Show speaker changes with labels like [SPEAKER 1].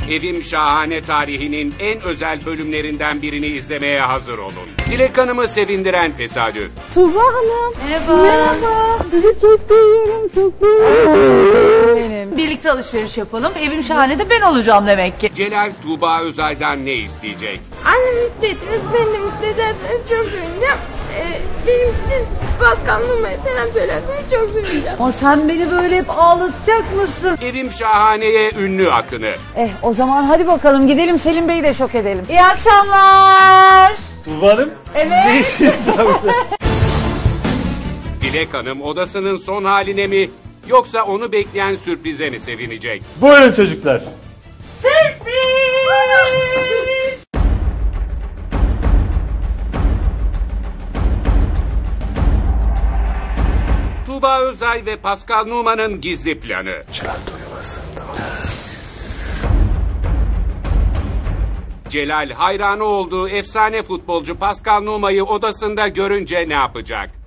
[SPEAKER 1] Evim Şahane tarihinin en özel bölümlerinden birini izlemeye hazır olun. Dilek Hanım'ı sevindiren tesadüf.
[SPEAKER 2] Tuğba Hanım.
[SPEAKER 3] Merhaba.
[SPEAKER 2] Merhaba. Sizi çok seviyorum, çok seviyorum.
[SPEAKER 3] Birlikte alışveriş yapalım. Evim Şahane de ben olacağım demek ki.
[SPEAKER 1] Celal Tuğba Özay'dan ne isteyecek?
[SPEAKER 2] Annemi mutlu ettiniz, beni de mutlu ederseniz çok sevineceğim. Benim için Pascal Numa'ya selam söylerseniz çok sevineceğim.
[SPEAKER 3] Ama sen beni böyle hep ağlatacak mısın?
[SPEAKER 1] Evim Şahane'ye ünlü akını.
[SPEAKER 3] O zaman hadi bakalım gidelim Selim Bey'i de şok edelim. İyi akşamlar.
[SPEAKER 4] Tuğba Hanım.
[SPEAKER 3] Evet.
[SPEAKER 4] Ne işiniz var burada?
[SPEAKER 1] Dilek Hanım odasının son haline mi yoksa onu bekleyen sürprize mi sevinecek?
[SPEAKER 4] Buyurun çocuklar.
[SPEAKER 3] Sürpriz.
[SPEAKER 1] Tuğba Özay ve Pascal Numa'nın gizli planı. Celal hayranı olduğu efsane futbolcu Pascal Numa'yı odasında görünce ne yapacak?